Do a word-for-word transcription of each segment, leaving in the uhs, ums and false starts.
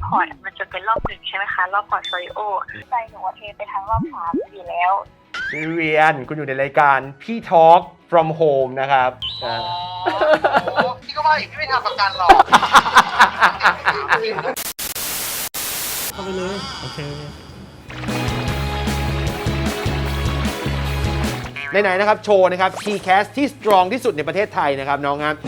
พอร์ตมันจะเป็นรอบหนึ่งใช่ไหมคะรอบพอร์ตโฟลิโอใจหนูเทไปทางรอบสามอยู่แล้วพี่เวียนคุณอยู่ในรายการพี่ Talk from Home นะครับอ๋อพี่ก็ว่าอยู่พี่ไม่ทำประกันหรอกเข้าไปเลยโอเคไหนๆนะครับโชว์นะครับ ที แคส ที่ strong ที่สุดในประเทศไทยนะครับน้องครับ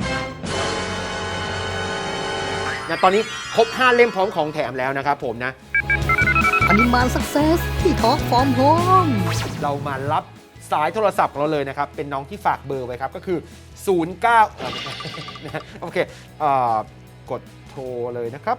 นะตอนนี้ครบห้าเล่มพร้อมของแถมแล้วนะครับผมนะอนิมานสักเซสที่ทอล์กฟอร์มโฮมเรามารับสายโทรศัพท์ของเราเลยนะครับเป็นน้องที่ฝากเบอร์ไว้ครับก็คือศูนย์ เก้า โอเคเอ่อกดโทรเลยนะครับ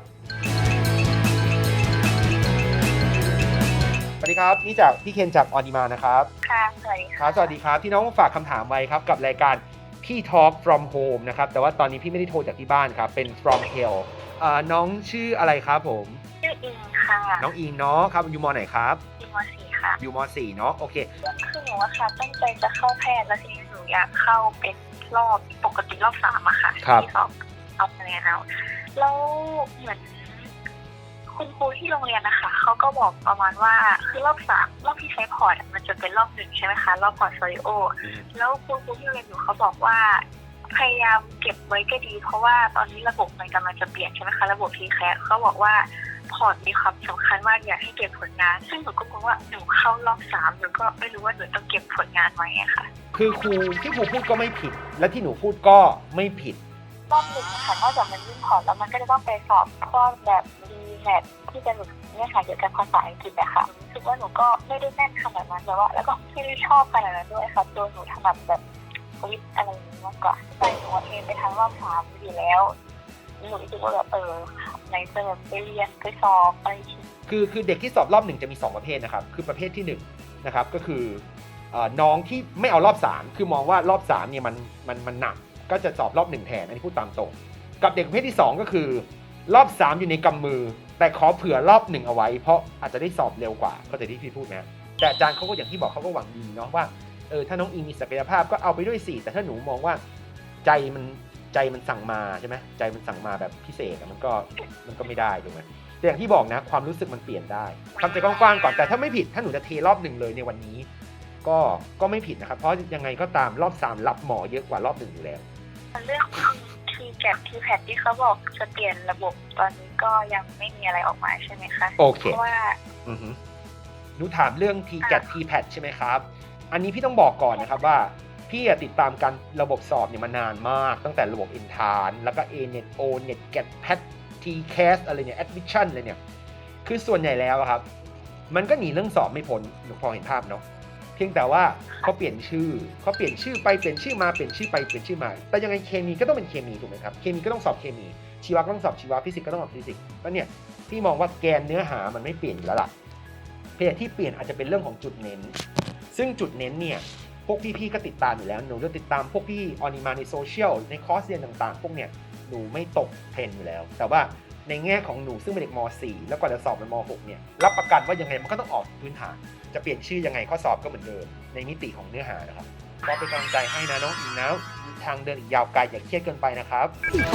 สวัสดีครับนี่จากพี่เคนจากออนิมานะครับค่ะสวัสดีครับสวัสดีครับที่น้องฝากคำถามไว้ครับกับรายการพี่ Talk from Home นะครับแต่ว่าตอนนี้พี่ไม่ได้โทรจากที่บ้านครับเป็น from hell เอ่อน้องชื่ออะไรครับผมชื่ออิงค่ะน้องอิงเนาะครับอยู่ม.ไหนครับอยู่ม.สี่ค่ะอยู่ม.สี่เนาะโอเคคือหนูอะค่ะตั้งใจจะเข้าแพทย์แล้วทีนี้หนูอยากเข้าเป็นรอบปกติรอบสามอะค่ะที่สอบเอาคะแนนเอาแล้วเหมือนคุณครูที่โรงเรียนนะคะเขาก็บอกประมาณว่าคือรอบสามรอบที่ใช้พอร์ตมันจะเป็นรอบหนึ่งใช่ไหมคะรอบพอร์ตโฟลิโอแล้วคุณครูที่โรงเรียนอยู่เขาบอกว่าพยายามเก็บไว้ก็ดีเพราะว่าตอนนี้ระบบมันกำลังจะเปลี่ยนใช่ไหมคะระบบ ที แคส เขาบอกว่าพอร์ตมีความสำคัญมากอยากให้เก็บผลงานซึ่งหนูก็กลัวว่าหนูเข้ารอบสามหนูก็ไม่รู้ว่าหนูต้องเก็บผลงานไว้อะค่ะคือครูที่ครูพูดก็ไม่ผิดและที่หนูพูดก็ไม่ผิดรอบหนึ่งค่ะนอกจากมันยื่นพอร์ตแล้วมันก็จะต้องไปสอบข้อแบบดีแมทที่จะหนูเนี่ยค่ะเกี่ยวกับภาษาอังกฤษอะค่ะรู้สึกว่าหนูก็ไม่ได้แน่นขนาดนั้นแต่ว่าแล้วก็ไม่ได้ชอบขนาดนั้นด้วยค่ะตัวหนูถนัดแบบวิทย์อะไรอย่างนี้มากกว่าใจหนูเทไปทางรอบสามอยู่แล้วหนูรู้สึกว่าแบบเออในเติมไปเรียนไปสอบไปคือคือเด็กที่สอบรอบหนึ่งจะมีสองประเภทนะครับคือประเภทที่หนึ่งนะครับก็คือน้องที่ไม่เอารอบสามคือมองว่ารอบสามเนี่ยมันมันมันหนักก็จะสอบรอบหนึ่งแทนอันนี้พูดตามตรงกับเด็กประเภทที่สองก็คือรอบสามอยู่ในกำมือแต่ขอเผื่อรอบหนึ่งเอาไว้เพราะอาจจะได้สอบเร็วกว่าเข้าใจที่พี่พูดไหมแต่อาจารย์เขาก็อย่างที่บอกเขาก็หวังดีเนาะว่าเออถ้าน้องอิงมีศักยภาพก็เอาไปด้วยสิแต่ถ้าหนูมองว่าใจมันใจมันสั่งมาใช่ไหมใจมันสั่งมาแบบพิเศษมันก็มันก็ไม่ได้ถูกไหมแต่อย่างที่บอกนะความรู้สึกมันเปลี่ยนได้ทำใจกว้างๆก่อนแต่ถ้าไม่ผิดถ้าหนูจะเทรอบหนึ่งเลยในวันนี้ก็ก็ไม่ผิดนะครับเพราะยังไงก็ตามรอบสามรับหมอเยอะกว่ารอบหนึ่งอยู่แล้วเรื่องที แคส ที แพท ที่เขาบอกจะเปลี่ยนระบบตอนนี้ก็ยังไม่มีอะไรออกมาใช่ไหมคะโอเคเพราะว่าอือฮึหนูถามเรื่อง ที แคส ที แพท ใช่ไหมครับอันนี้พี่ต้องบอกก่อนนะครับว่าพี่ติดตามการระบบสอบเนี่ยมานานมากตั้งแต่ระบบ Entrance แล้วก็ เอ เน็ต โอ เน็ต แกท แพท ที แคส อะไรเนี่ย Admission เลยเนี่ยคือส่วนใหญ่แล้วครับมันก็หนีเรื่องสอบไม่พ้นหนูพอเห็นภาพเนาะเพียงแต่ว่าเขาเปลี่ยนชื่อเขาเปลี่ยนชื่อไปเปลี่ยนชื่อมาเปลี่ยนชื่อไปเปลี่ยนชื่อมาแต่ยังไงเคมีก็ต้องเป็นเคมีถูกไหมครับเคมีก็ต้องสอบเคมีชีวะก็ต้องสอบชีวะฟิสิกส์ก็ต้องสอบฟิสิกส์แล้วเนี่ยพี่มองว่าแกนเนื้อหามันไม่เปลี่ยนอยู่แล้วล่ะเพียงที่เปลี่ยนอาจจะเป็นเรื่องของจุดเน้นซึ่งจุดเน้นเนี่ยพวกพี่ๆก็ติดตามอยู่แล้วหนูจะติดตามพวกพี่ออนิมาในโซเชียลในคอร์สเรียนต่างๆพวกเนี่ยหนูไม่ตกเทรนอยู่แล้วแต่ว่าในแง่ของหนูซึ่งเป็นเด็กม.สี่ แล้วก่อนจะสอบเป็นม.หก เนี่ยรับประกันว่ายังไงมันก็ต้องออกพื้นฐานจะเปลี่ยนชื่อยังไงข้อสอบก็เหมือนเดิมในมิติของเนื้อหานะครับก็เป็นกำลังใจให้นะน้องอิงนะทางเดินอีกยาวไกลอย่าเครียดเกินไปนะครับ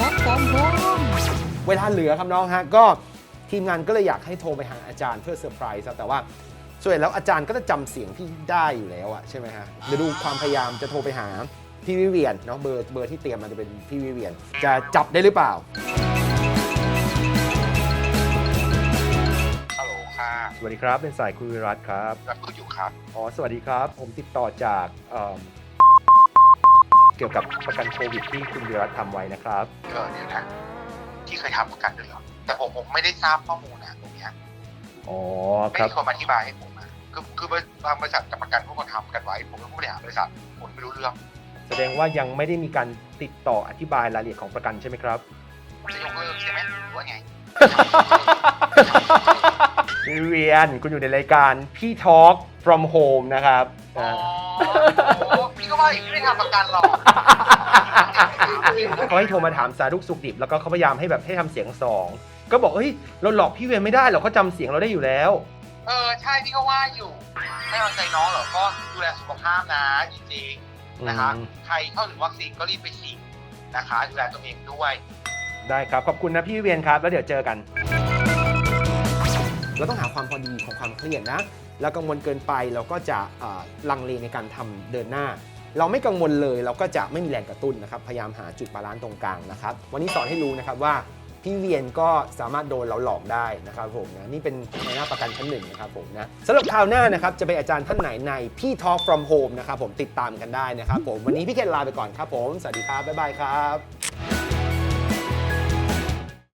เวลาเหลือครับน้องฮะก็ทีมงานก็เลยอยากให้โทรไปหาอาจารย์เพื่อเซอร์ไพรส์แต่ว่าส่วนแล้วอาจารย์ก็จะจำเสียงที่ได้อยู่แล้วอะใช่ไหมฮะเดี๋ยวดูความพยายามจะโทรไปหาพี่วิเวียนเนาะเบอร์เบอร์ที่เตรียมมันจะเป็นพี่วิเวียนจะจับได้หรือเปล่าสวัสดีครับเป็นสายคุณวิรัตครับรับคุยอยู่ครับอ๋อสวัสดีครับผมติดต่อจากเอ่อเกี่ยวกับประกันโควิดที่คุณวิรัตทำไว้นะครับเออเดี๋ยวนะที่เคยทำประกันด้วยเหรอแต่ผมผมไม่ได้ทราบข้อมูลนะตรงนี้อ๋อไม่มีคนมาอธิบายให้ผมนะคือคือบางบริษัทกับประกันพวกคนทำกันไว้ผมเป็นผู้บริหารบริษัทผมไม่รู้เรื่องแสดงว่ายังไม่ได้มีการติดต่ออธิบายรายละเอียดของประกันใช่ไหมครับจะยกเลิกใช่ไหมหรือว่าไงพี่เวียนคุณอยู่ในรายการพี่ Talk from Home นะครับอ๋อพี่ก็ว่าอยู่พี่ไม่ทำประกันหรอกเขาให้โทรมาถามสารุกสุขดิบแล้วก็เขาพยายามให้แบบให้ทำเสียงสองก็บอกเฮ้ยเราหลอกพี่เวียนไม่ได้หรอกเขาจำเสียงเราได้อยู่แล้วเออใช่พี่ก็ว่าอยู่ให้กำลังใจน้องเหรอก็ดูแลสุขภาพนะจริงๆนะคะใครเข้าถึงวัคซีนก็รีบไปฉีดนะคะดูแลตัวเองด้วยได้ครับขอบคุณนะพี่เวียนครับแล้วเดี๋ยวเจอกันเราต้องหาความพอดีของความเครียดนะแล้วกังวลเกินไปเราก็จะลังเลในการทำเดินหน้าเราไม่กังวลเลยเราก็จะไม่มีแรงกระตุ้นนะครับพยายามหาจุดบาลานซ์ตรงกลางนะครับวันนี้สอนให้รู้นะครับว่าพี่เวียนก็สามารถโดนเราหลอกได้นะครับผมนะนี่เป็นในหน้าประกันชั้นหนึ่งนะครับผมนะสำหรับคราวหน้านะครับจะเป็นอาจารย์ท่านไหนในพี่ Talk from Home นะครับผมติดตามกันได้นะครับผมวันนี้พี่เคนลาไปก่อนครับผมสวัสดีครับบ๊ายบายครับ